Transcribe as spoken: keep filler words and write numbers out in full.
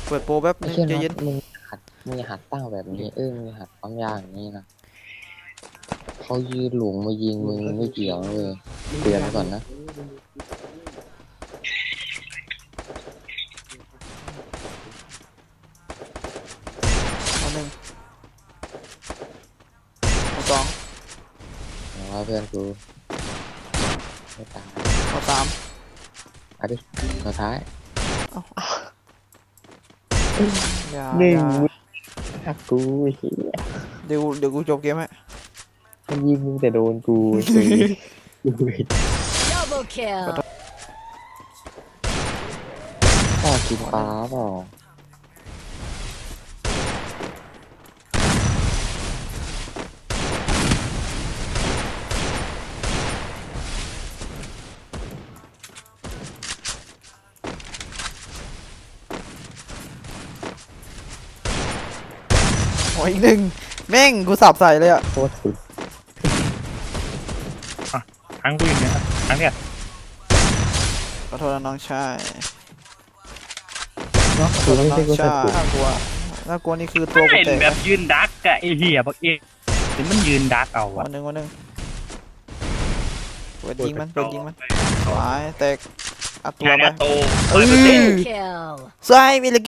เปิดโปรแป๊บไม่นึงใช่ใจนะเย็นมึงหัดมึงอย่าหัดตั้งแบบนี้เออมึงอย่าหัดปั๊มยาอย่างนี้นะเขายืนหลงมายิงมึงไม่เกี่ยวเลยเตือนไว้ก่อนนะเอาหนึ่งเอาสองเอาว่าเพื่อนกูไม่ตายเอาสามเอาดิสุดท้ายอย่าหนึ่งอย่าหักกูเฮียเดี๋ยวเดี๋ยวกูจบเกมให้มันยิงมึงแต่โดนกูกูกู Double kill. พ่อกินปลาเปล่าโอ้ยอีกหนึ่งแม่งกูสับใส่เลยอ่ะโคตรสุดครั้งกูอย่างเนี้ยครั้งเนี้ยขอโทษนะน้องชายเนาะขอโทคือษนะไม่น้อใช่งกูชาสัยดสุดน่ากลัวน่ากลัวนี่คือตัวกูเห็นแตกแบบยืนดักกะไอ้เหี้ยบักเอกเห็นมันยืนดักเอาวัอะนหนึ่งวันหนึ่งเปิดยิงมันเปิดยิงมันตายแตกอัดตัวงานไปอาโตเออร้อยเปอร์เซ็นต์ Kill. ใช่มีเหลย